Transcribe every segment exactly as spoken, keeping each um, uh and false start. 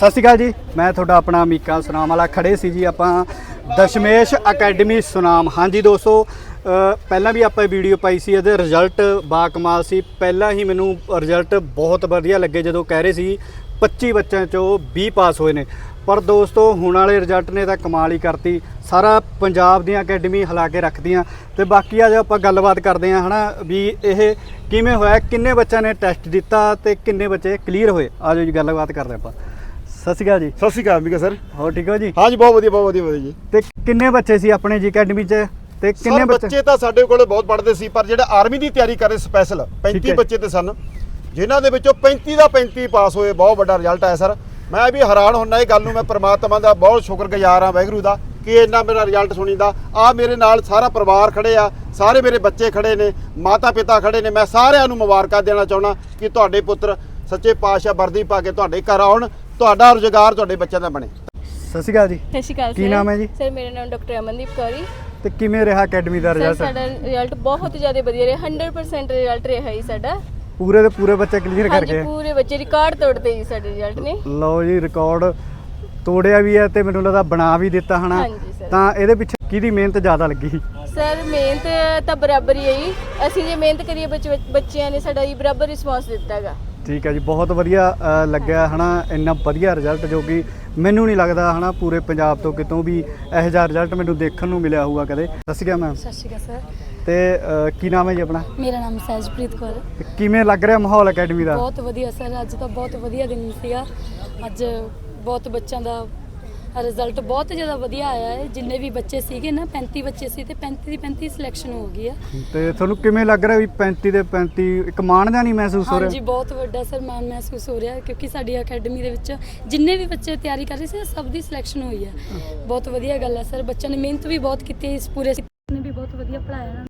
सत श्री अकाल जी, मैं थोड़ा अपना मीका सुनाम वाला खड़े सी जी। आप दशमेश अकैडमी सुनाम। हाँ जी दोस्तों, पहला भी आप वीडियो पाई सी, ਇਹਦੇ ਰਿਜ਼ਲਟ ਬਾ ਕਮਾਲ ਸੀ। ਪਹਿਲਾਂ ਹੀ ਮੈਨੂੰ ਰਿਜ਼ਲਟ ਬਹੁਤ ਵਧੀਆ ਲੱਗੇ ਜਦੋਂ ਕਹਿ ਰਹੇ ਸੀ ਪੱਚੀ ਬੱਚਿਆਂ ਚੋਂ ਵੀਹ ਪਾਸ ਹੋਏ ਨੇ। ਪਰ ਦੋਸਤੋ ਹੁਣ ਵਾਲੇ ਰਿਜ਼ਲਟ ਨੇ ਤਾਂ ਕਮਾਲ ਹੀ ਕਰਤੀ। ਸਾਰਾ ਪੰਜਾਬ ਦੀਆਂ ਅਕੈਡਮੀ ਹਿਲਾ ਕੇ ਰੱਖਦੀਆਂ। ਤੇ ਬਾਕੀ ਅੱਜ ਆਪਾਂ ਗੱਲਬਾਤ ਕਰਦੇ ਹਾਂ ਹਨਾ ਵੀ ਇਹ ਕਿਵੇਂ ਹੋਇਆ, ਕਿੰਨੇ ਬੱਚਿਆਂ ਨੇ ਟੈਸਟ ਦਿੱਤਾ ਤੇ ਕਿੰਨੇ ਬੱਚੇ ਕਲੀਅਰ ਹੋਏ। ਆਜੋ ਜੀ ਗੱਲਬਾਤ ਕਰਦੇ ਆਪਾਂ। ਸਤਿ ਸ਼੍ਰੀ ਅਕਾਲ ਜੀ। ਸਤਿ ਸ਼੍ਰੀ ਅਕਾਲ ਮੀਕਾ ਸਰ। ਹੋਰ ਠੀਕ ਹੋ ਜੀ? ਹਾਂ ਜੀ, ਬਹੁਤ ਵਧੀਆ ਬਹੁਤ ਵਧੀਆ ਵਧੀਆ ਜੀ। ਤੇ ਕਿੰਨੇ ਬੱਚੇ ਸੀ ਆਪਣੇ ਜੀ ਅਕੈਡਮੀ 'ਚ ਤੇ ਕਿੰਨੇ ਬੱਚੇ? ਬੱਚੇ ਤਾਂ ਸਾਡੇ ਕੋਲ ਬਹੁਤ ਪੜ੍ਹਦੇ ਸੀ, ਪਰ ਜਿਹੜਾ ਆਰਮੀ ਦੀ ਤਿਆਰੀ ਕਰ ਰਹੇ ਸਪੈਸ਼ਲ ਪੈਂਤੀ ਬੱਚੇ ਤੇ ਸਨ, ਜਿਨ੍ਹਾਂ ਦੇ ਵਿੱਚੋਂ ਪੈਂਤੀ ਦਾ ਪੈਂਤੀ ਪਾਸ ਹੋਏ। ਬਹੁਤ ਵੱਡਾ ਰਿਜ਼ਲਟ ਆਇਆ ਸਰ। ਮੈਂ ਵੀ ਹੈਰਾਨ ਹੁੰਦਾ ਇਹ ਗੱਲ ਨੂੰ। ਮੈਂ ਪ੍ਰਮਾਤਮਾ ਦਾ ਬਹੁਤ ਸ਼ੁਕਰਗੁਜ਼ਾਰ ਹਾਂ, ਵਾਹਿਗੁਰੂ ਦਾ, ਕਿ ਇੰਨਾ ਮੇਰਾ ਰਿਜ਼ਲਟ ਸੁਣੀਦਾ। ਆ ਮੇਰੇ ਨਾਲ ਸਾਰਾ ਪਰਿਵਾਰ ਖੜੇ ਆ, ਸਾਰੇ ਮੇਰੇ ਬੱਚੇ ਖੜੇ ਨੇ, ਮਾਤਾ ਪਿਤਾ ਖੜੇ ਨੇ। ਮੈਂ ਸਾਰਿਆਂ ਨੂੰ ਮੁਬਾਰਕਾਂ ਦੇਣਾ ਚਾਹੁੰਦਾ ਕਿ ਤੁਹਾਡੇ ਪੁੱਤਰ ਸੱਚੇ ਪਾਤਸ਼ਾਹ ਵਰਦੀ ਪਾ ਕੇ ਤੁਹਾਡੇ ਘਰ ਆਉਣ, ਤੁਹਾਡਾ ਰੁਜ਼ਗਾਰ ਤੁਹਾਡੇ ਬੱਚਿਆਂ ਦਾ ਬਣੇ। ਸਤਿ ਸ਼੍ਰੀ ਅਕਾਲ ਜੀ। ਸਤਿ ਸ਼੍ਰੀ ਅਕਾਲ। ਕੀ ਨਾਮ ਹੈ ਜੀ? ਸਰ ਮੇਰਾ ਨਾਮ ਡਾਕਟਰ ਅਮਨਦੀਪ ਕੌਰੀ। ਤੇ ਕਿਵੇਂ ਰਿਹਾ ਅਕੈਡਮੀ ਦਾ ਰਿਜ਼ਲਟ? ਸਾਡਾ ਰਿਜ਼ਲਟ ਬਹੁਤ ਜ਼ਿਆਦਾ ਵਧੀਆ ਰਿਹਾ। ਸੌ ਪਰਸੈਂਟ ਰਿਜ਼ਲਟ ਰਿਹਾ ਹੀ ਸਾਡਾ। ਪੂਰੇ ਦੇ ਪੂਰੇ ਬੱਚੇ ਕਲੀਅਰ ਕਰ ਗਏ? ਹਾਂਜੀ, ਪੂਰੇ ਬੱਚੇ ਰਿਕਾਰਡ ਤੋੜਦੇ ਜੀ ਸਾਡੇ ਰਿਜ਼ਲਟ ਨੇ। ਲਓ ਜੀ, ਰਿਕਾਰਡ ਤੋੜਿਆ ਵੀ ਹੈ ਤੇ ਮੈਨੂੰ ਲੱਗਦਾ ਬਣਾ ਵੀ ਦਿੱਤਾ ਹਨਾ। ਹਾਂਜੀ ਸਰ। ਤਾਂ ਇਹਦੇ ਪਿੱਛੇ ਕਿਹਦੀ ਮਿਹਨਤ ਜ਼ਿਆਦਾ ਲੱਗੀ? ਸਰ ਮਿਹਨਤ ਤਾਂ ਬਰਾਬਰ ਹੀ ਹੈ ਜੀ। ਅਸੀਂ ਜੇ ਮਿਹਨਤ ਕਰੀਏ ਬੱਚੇ ਬੱਚਿਆਂ ਨੇ ਸਾਡਾ ਜੀ ਬਰਾਬਰ ਰਿਸਪੌਂਸ ਦਿੱਤਾ ਹੈਗਾ। ਠੀਕ ਹੈ ਜੀ, ਬਹੁਤ ਵਧੀਆ ਲੱਗਿਆ ਹਨਾ। ਇੰਨਾ ਵਧੀਆ ਰਿਜ਼ਲਟ ਜੋ ਕਿ ਮੈਨੂੰ ਨਹੀਂ ਲੱਗਦਾ ਹਨਾ ਪੂਰੇ ਪੰਜਾਬ ਤੋਂ ਕਿਤੋਂ ਵੀ ਇਹੋ ਜਿਹਾ ਰਿਜ਼ਲਟ ਮੈਨੂੰ ਦੇਖਣ ਨੂੰ ਮਿਲਿਆ ਹੋਊਗਾ ਕਦੇ। ਸਤਿ ਸ਼੍ਰੀ ਅਕਾਲ ਮੈਮ। ਸਤਿ ਸ਼੍ਰੀ ਅਕਾਲ ਸਰ। ਤੇ ਕੀ ਨਾਮ ਹੈ ਜੀ ਆਪਣਾ? ਮੇਰਾ ਨਾਮ ਸਹਿਜਪ੍ਰੀਤ ਕੌਰ। ਕਿਵੇਂ ਲੱਗ ਰਿਹਾ ਮਾਹੌਲ ਅਕੈਡਮੀ ਦਾ? ਬਹੁਤ ਵਧੀਆ ਸਰ, ਅੱਜ ਤਾਂ ਬਹੁਤ ਵਧੀਆ ਦਿਨ ਸੀਗਾ। ਅੱਜ ਬਹੁਤ ਬੱਚਿਆਂ ਦਾ ਰਿਜ਼ਲਟ ਬਹੁਤ ਜ਼ਿਆਦਾ ਵਧੀਆ ਆਇਆ ਹੈ। ਜਿੰਨੇ ਵੀ ਬੱਚੇ ਸੀਗੇ ਨਾ, ਪੈਂਤੀ ਬੱਚੇ ਸੀ ਤੇ ਪੈਂਤੀ ਦੀ ਪੈਂਤੀ ਸਿਲੈਕਸ਼ਨ ਹੋ ਗਈ ਆ। ਤੇ ਤੁਹਾਨੂੰ ਕਿਵੇਂ ਲੱਗ ਰਿਹਾ ਵੀ ਪੈਂਤੀ ਦੇ ਪੈਂਤੀ ਇੱਕ ਮਾਣ ਜਿਹਾ ਨਹੀਂ ਮਹਿਸੂਸ ਹੋ ਰਿਹਾ? ਹਾਂਜੀ, ਬਹੁਤ ਵੱਡਾ ਸਰ ਮਾਣ ਮਹਿਸੂਸ ਹੋ ਰਿਹਾ, ਕਿਉਂਕਿ ਸਾਡੀ ਅਕੈਡਮੀ ਦੇ ਵਿੱਚ ਜਿੰਨੇ ਵੀ ਬੱਚੇ ਤਿਆਰੀ ਕਰ ਰਹੇ ਸੀ ਸਭ ਦੀ ਸਿਲੈਕਸ਼ਨ ਹੋਈ ਹੈ। ਬਹੁਤ ਵਧੀਆ ਗੱਲ ਹੈ ਸਰ। ਬੱਚਿਆਂ ਨੇ ਮਿਹਨਤ ਵੀ ਬਹੁਤ ਕੀਤੀ ਹੈ, ਇਸ ਪੂਰੇ ਨੇ ਵੀ ਬਹੁਤ ਵਧੀਆ ਪੜ੍ਹਾਇਆ।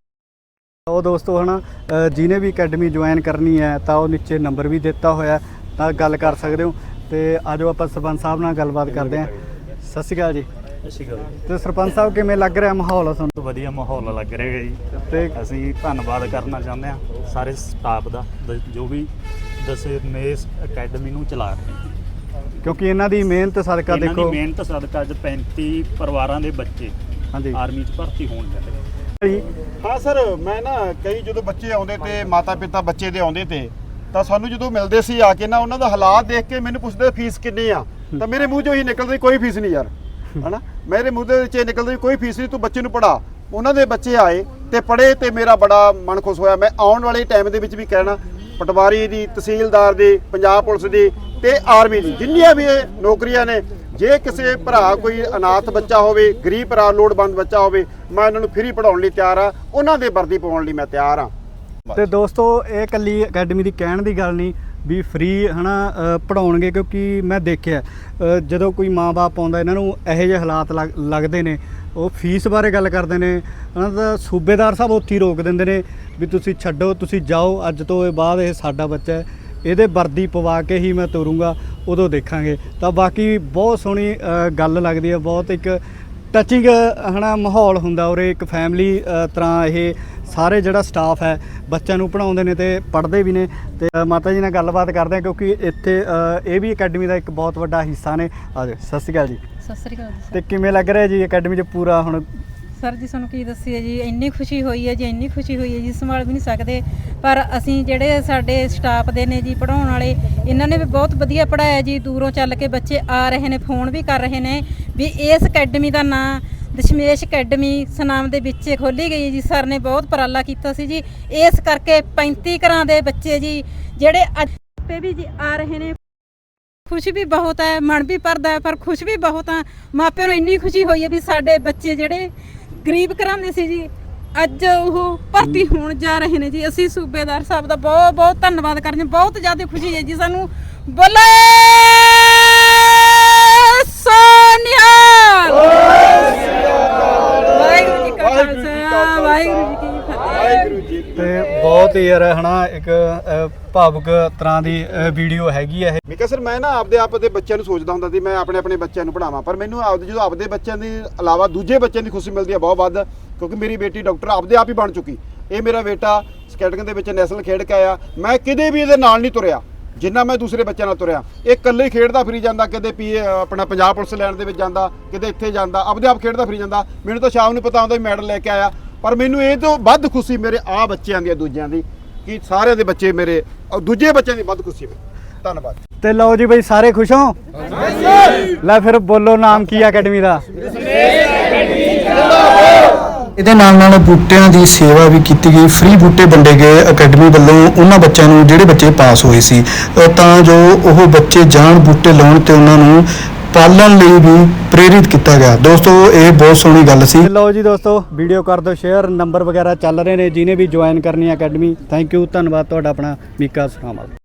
ਉਹ ਦੋਸਤੋ ਹਨਾ, ਜਿਹਨੇ ਵੀ ਅਕੈਡਮੀ ਜੁਆਇਨ ਕਰਨੀ ਹੈ ਤਾਂ ਉਹ ਨੀਚੇ ਨੰਬਰ ਵੀ ਦਿੱਤਾ ਹੋਇਆ, ਤਾਂ ਗੱਲ ਕਰ ਸਕਦੇ ਹੋ। ਤੇ ਆਜੋ ਆਪਾਂ ਸਰਪੰਚ ਸਾਹਿਬ ਨਾਲ ਗੱਲਬਾਤ ਕਰਦੇ ਹਾਂ। ਸਤਿ ਸ਼੍ਰੀ ਅਕਾਲ ਜੀ। ਸਤਿ ਸ਼੍ਰੀ ਅਕਾਲ ਜੀ। ਤੇ ਸਰਪੰਚ ਸਾਹਿਬ ਕਿਵੇਂ ਲੱਗ ਰਿਹਾ ਮਾਹੌਲ ਤੁਹਾਨੂੰ? ਵਧੀਆ ਮਾਹੌਲ ਲੱਗ ਰਿਹਾ ਜੀ। ਤੇ ਅਸੀਂ ਧੰਨਵਾਦ ਕਰਨਾ ਚਾਹੁੰਦੇ ਹਾਂ ਸਾਰੇ ਸਟਾਫ ਦਾ ਜੋ ਵੀ ਦਸ਼ਮੇਸ਼ ਅਕੈਡਮੀ ਨੂੰ ਚਲਾ ਰਹੇ, ਕਿਉਂਕਿ ਇਹਨਾਂ ਦੀ ਮਿਹਨਤ ਸਦਕਾ ਇਹਨਾਂ ਦੇਖੋ ਦੀ ਮਿਹਨਤ ਸਦਕਾ ਅੱਜ ਪੈਂਤੀ ਪਰਿਵਾਰਾਂ ਦੇ ਬੱਚੇ ਹਾਂਜੀ ਆਰਮੀ 'ਚ ਭਰਤੀ ਹੋਣ ਜਾਂਦੇ। ਹਾਂ ਸਰ, ਮੈਂ ਨਾ ਕਈ ਜਦੋਂ ਬੱਚੇ ਆਉਂਦੇ ਤੇ ਮਾਤਾ ਪਿਤਾ ਬੱਚੇ ਦੇ ਆਉਂਦੇ ਤੇ ਤਾਂ ਸਾਨੂੰ ਜਦੋਂ ਮਿਲਦੇ ਸੀ ਆ ਕੇ ਨਾ, ਉਹਨਾਂ ਦਾ ਹਾਲਾਤ ਦੇਖ ਕੇ ਮੈਨੂੰ ਪੁੱਛਦੇ ਫੀਸ ਕਿੰਨੀ ਆ, ਤਾਂ ਮੇਰੇ ਮੂੰਹ 'ਚੋਂ ਹੀ ਨਿਕਲਦੀ ਕੋਈ ਫੀਸ ਨਹੀਂ ਯਾਰ, ਹਨਾ। ਮੇਰੇ ਮੂੰਹ ਦੇ ਵਿੱਚ ਇਹ ਨਿਕਲਦੀ ਕੋਈ ਫੀਸ ਨਹੀਂ, ਤੂੰ ਬੱਚੇ ਨੂੰ ਪੜ੍ਹਾ। ਉਹਨਾਂ ਦੇ ਬੱਚੇ ਆਏ ਤੇ ਪੜ੍ਹੇ ਤੇ ਮੇਰਾ ਬੜਾ ਮਨ ਖੁਸ਼ ਹੋਇਆ। ਮੈਂ ਆਉਣ ਵਾਲੇ ਟਾਈਮ ਦੇ ਵਿੱਚ ਵੀ ਕਹਿਣਾ, ਪਟਵਾਰੀ ਦੀ, ਤਹਿਸੀਲਦਾਰ ਦੀ, ਪੰਜਾਬ ਪੁਲਿਸ ਦੀ ਤੇ ਆਰਮੀ ਦੀ ਜਿੰਨੀਆਂ ਵੀ ਇਹ ਨੌਕਰੀਆਂ ਨੇ, ਜੇ ਕਿਸੇ ਭਰਾ ਕੋਈ ਅਨਾਥ ਬੱਚਾ ਹੋਵੇ, ਗਰੀਬ ਭਰਾ, ਲੋੜਵੰਦ ਬੱਚਾ ਹੋਵੇ, ਮੈਂ ਉਹਨਾਂ ਨੂੰ ਫ੍ਰੀ ਪੜ੍ਹਾਉਣ ਲਈ ਤਿਆਰ ਆ। ਉਹਨਾਂ ਦੇ ਵਰਦੀ ਪਾਉਣ ਲਈ ਮੈਂ ਤਿਆਰ ਆ। ਤੇ ਦੋਸਤੋ ਇਹ ਇਕੱਲੀ ਅਕੈਡਮੀ ਦੀ ਕਹਿਣ ਦੀ ਗੱਲ ਨਹੀਂ ਵੀ ਫ੍ਰੀ ਹਨਾ ਪੜਾਉਣਗੇ, ਕਿਉਂਕਿ ਮੈਂ ਦੇਖਿਆ ਜਦੋਂ ਕੋਈ ਮਾਂ-ਬਾਪ ਆਉਂਦਾ ਇਹਨਾਂ ਨੂੰ ਇਹੋ ਜਿਹੇ ਹਾਲਾਤ ਲੱਗਦੇ ਨੇ, ਉਹ ਫੀਸ ਬਾਰੇ ਗੱਲ ਕਰਦੇ ਨੇ ਉਹਨਾਂ ਦਾ ਸੂਬੇਦਾਰ ਸਾਹਿਬ ਉੱਥੇ ਹੀ ਰੋਕ ਦਿੰਦੇ ਨੇ ਵੀ ਤੁਸੀਂ ਛੱਡੋ, ਤੁਸੀਂ ਜਾਓ, ਅੱਜ ਤੋਂ ਬਾਅਦ ਇਹ ਸਾਡਾ ਬੱਚਾ ਹੈ, ਇਹਦੇ ਵਰਦੀ ਪਵਾ ਕੇ ਹੀ ਮੈਂ ਤੋਰੂੰਗਾ, ਉਦੋਂ ਦੇਖਾਂਗੇ। ਤਾਂ ਬਾਕੀ ਬਹੁਤ ਸੋਹਣੀ ਗੱਲ ਲੱਗਦੀ ਹੈ, ਬਹੁਤ ਇੱਕ ਟੱਚਿੰਗ ਹਨਾ ਮਾਹੌਲ ਹੁੰਦਾ ਉਰੇ। ਇੱਕ ਫੈਮਿਲੀ ਤਰ੍ਹਾਂ ਇਹ ਸਾਰੇ ਜਿਹੜਾ ਸਟਾਫ ਹੈ ਬੱਚਿਆਂ ਨੂੰ ਪੜ੍ਹਾਉਂਦੇ ਨੇ ਤੇ ਪੜ੍ਹਦੇ ਵੀ ਨੇ। ਤੇ ਮਾਤਾ ਜੀ ਨਾਲ ਗੱਲਬਾਤ ਕਰਦੇ ਹਾਂ, ਕਿਉਂਕਿ ਇੱਥੇ ਇਹ ਵੀ ਅਕੈਡਮੀ ਦਾ ਇੱਕ ਬਹੁਤ ਵੱਡਾ ਹਿੱਸਾ ਨੇ। ਆ ਜਾਓ। ਸਤਿ ਸ਼੍ਰੀ ਅਕਾਲ ਜੀ। ਸਤਿ ਸ਼੍ਰੀ ਅਕਾਲ ਜੀ। ਤੇ ਕਿਵੇਂ ਲੱਗ ਰਿਹਾ ਜੀ ਅਕੈਡਮੀ 'ਚ ਪੂਰਾ ਹੁਣ? ਸਰ ਜੀ ਸਾਨੂੰ ਕੀ ਦੱਸੀਏ ਜੀ, ਇੰਨੀ ਖੁਸ਼ੀ ਹੋਈ ਹੈ ਜੀ, ਇੰਨੀ ਖੁਸ਼ੀ ਹੋਈ ਹੈ ਜੀ, ਸੰਭਾਲ ਵੀ ਨਹੀਂ ਸਕਦੇ। ਪਰ ਅਸੀਂ ਜਿਹੜੇ ਸਾਡੇ ਸਟਾਫ ਦੇ ਨੇ ਜੀ ਪੜ੍ਹਾਉਣ ਵਾਲੇ, ਇਹਨਾਂ ਨੇ ਵੀ ਬਹੁਤ ਵਧੀਆ ਪੜ੍ਹਾਇਆ ਜੀ। ਦੂਰੋਂ ਚੱਲ ਕੇ ਬੱਚੇ ਆ ਰਹੇ ਨੇ, ਫੋਨ ਵੀ ਕਰ ਰਹੇ ਨੇ ਵੀ ਇਸ ਅਕੈਡਮੀ ਦਾ ਨਾਂ ਦਸ਼ਮੇਸ਼ ਅਕੈਡਮੀ ਸੁਨਾਮ ਦੇ ਵਿੱਚ ਖੋਲ੍ਹੀ ਗਈ ਜੀ। ਸਰ ਨੇ ਬਹੁਤ ਉਪਰਾਲਾ ਕੀਤਾ ਸੀ ਜੀ, ਇਸ ਕਰਕੇ ਪੈਂਤੀ ਘਰਾਂ ਦੇ ਬੱਚੇ ਜੀ ਜਿਹੜੇ ਅੱਜ ਤੇ ਵੀ ਜੀ ਆ ਰਹੇ ਨੇ। ਖੁਸ਼ੀ ਵੀ ਬਹੁਤ ਹੈ, ਮਨ ਵੀ ਭਰਦਾ ਹੈ, ਪਰ ਖੁਸ਼ ਵੀ ਬਹੁਤ ਆ। ਮਾਪਿਆਂ ਨੂੰ ਇੰਨੀ ਖੁਸ਼ੀ ਹੋਈ ਹੈ ਵੀ ਸਾਡੇ ਬੱਚੇ ਜਿਹੜੇ ਗਰੀਬ ਘਰਾਂ ਦੇ ਸੀ ਜੀ, ਅੱਜ ਉਹ ਭਰਤੀ ਹੋਣ ਜਾ ਰਹੇ ਨੇ ਜੀ। ਅਸੀਂ ਸੂਬੇਦਾਰ ਸਾਹਿਬ ਦਾ ਬਹੁਤ ਬਹੁਤ ਧੰਨਵਾਦ ਕਰਦੇ ਹਾਂ। ਬਹੁਤ ਜ਼ਿਆਦਾ ਖੁਸ਼ੀ ਹੈ ਜੀ ਸਾਨੂੰ। ਬੋਲੇ ਸੋਨਿਹਾਲ। ਵਾਹਿਗੁਰੂ ਜੀ ਕਾ ਖਾਲਸਾ, ਵਾਹਿਗੁਰੂ ਜੀ ਕੀ ਫਤਿਹ। ਤੇ ਬਹੁਤ ਹੀ ਯਾਰ ਹਨਾ ਇੱਕ ਭਾਵੁਕ ਤਰ੍ਹਾਂ ਦੀ ਵੀਡੀਓ ਹੈਗੀ ਹੈ ਇਹ। ਮੀਕਾ ਸਰ, ਮੈਂ ਨਾ ਆਪਦੇ ਆਪ ਦੇ ਬੱਚਿਆਂ ਨੂੰ ਸੋਚਦਾ ਹੁੰਦਾ ਸੀ ਮੈਂ ਆਪਣੇ ਆਪਣੇ ਬੱਚਿਆਂ ਨੂੰ ਪੜ੍ਹਾਵਾਂ, ਪਰ ਮੈਨੂੰ ਆਪਦੇ ਜਦੋਂ ਆਪਦੇ ਬੱਚਿਆਂ ਦੀ ਇਲਾਵਾ ਦੂਜੇ ਬੱਚਿਆਂ ਦੀ ਖੁਸ਼ੀ ਮਿਲਦੀ ਹੈ ਬਹੁਤ ਵੱਧ, ਕਿਉਂਕਿ ਮੇਰੀ ਬੇਟੀ ਡਾਕਟਰ ਆਪਦੇ ਆਪ ਹੀ ਬਣ ਚੁੱਕੀ। ਇਹ ਮੇਰਾ ਬੇਟਾ ਸਕੈਟਿੰਗ ਦੇ ਵਿੱਚ ਨੈਸ਼ਨਲ ਖੇਡ ਕੇ ਆਇਆ। ਮੈਂ ਕਿਤੇ ਵੀ ਇਹਦੇ ਨਾਲ ਨਹੀਂ ਤੁਰਿਆ, ਜਿੰਨਾ ਮੈਂ ਦੂਸਰੇ ਬੱਚਿਆਂ ਨਾਲ ਤੁਰਿਆ, ਇਹ ਇਕੱਲੇ ਹੀ ਖੇਡਦਾ ਫਿਰੀ ਜਾਂਦਾ, ਕਿਤੇ ਪੀ ਆਪਣਾ ਪੰਜਾਬ ਪੁਲਿਸ ਲੈਣ ਦੇ ਵਿੱਚ ਜਾਂਦਾ, ਕਿਤੇ ਇੱਥੇ ਜਾਂਦਾ, ਆਪਦੇ ਆਪ ਖੇਡਦਾ ਫਿਰੀ ਜਾਂਦਾ। ਮੈਨੂੰ ਤਾਂ ਸ਼ਾਮ ਨੂੰ ਪਤਾ ਹੁੰਦਾ ਵੀ ਮੈਡਲ ਲੈ ਕੇ ਆਇਆ, ਪਰ ਮੈਨੂੰ ਇਹ ਤੋਂ ਵੱਧ ਖੁਸ਼ੀ ਮੇਰੇ ਆ ਬੱਚਿਆਂ ਦੀ, ਦੂਜਿਆਂ ਦੀ, ਕਿ ਸਾਰਿਆਂ ਦੇ ਬੱਚੇ ਮੇਰੇ, ਦੂਜੇ ਬੱਚਿਆਂ ਦੀ ਵੱਧ ਖੁਸ਼ੀ ਮੈਨੂੰ। ਧੰਨਵਾਦ। ਤੇ ਲਓ ਜੀ ਬਈ, ਸਾਰੇ ਖੁਸ਼ ਹੋ? ਲੈ ਫਿਰ ਬੋਲੋ, ਨਾਮ ਕੀ ਆ ਅਕੈਡਮੀ ਦਾ? ਇਹਦੇ ਨਾਲ ਨਾਲ ਬੂਟਿਆਂ ਦੀ ਸੇਵਾ ਵੀ ਕੀਤੀ ਗਈ, ਫ੍ਰੀ ਬੂਟੇ ਵੰਡੇ ਗਏ ਅਕੈਡਮੀ ਵੱਲੋਂ ਉਹਨਾਂ ਬੱਚਿਆਂ ਨੂੰ ਜਿਹੜੇ ਬੱਚੇ ਪਾਸ ਹੋਏ ਸੀ, ਅ, ਤਾਂ ਜੋ ਉਹ ਬੱਚੇ ਜਾਣ ਬੂਟੇ ਲਾਉਣ ਤੇ ਉਹਨਾਂ ਨੂੰ ਪਾਲਣ ਲਈ ਵੀ ਪ੍ਰੇਰਿਤ ਕੀਤਾ ਗਿਆ। ਦੋਸਤੋ, ਇਹ ਬਹੁਤ ਸੋਹਣੀ ਗੱਲ ਸੀ। ਤੇ ਲਓ ਜੀ ਦੋਸਤੋ, ਵੀਡੀਓ ਕਰ ਦਿਓ ਸ਼ੇਅਰ, ਨੰਬਰ ਵਗੈਰਾ ਚੱਲ ਰਹੇ ਨੇ, ਜਿਹਨੇ ਵੀ ਜੁਆਇਨ ਕਰਨੀ ਹੈ ਅਕੈਡਮੀ। ਥੈਂਕ ਯੂ, ਧੰਨਵਾਦ ਤੁਹਾਡਾ। ਆਪਣਾ ਮੀਕਾ ਸਰਾਵਾਲ।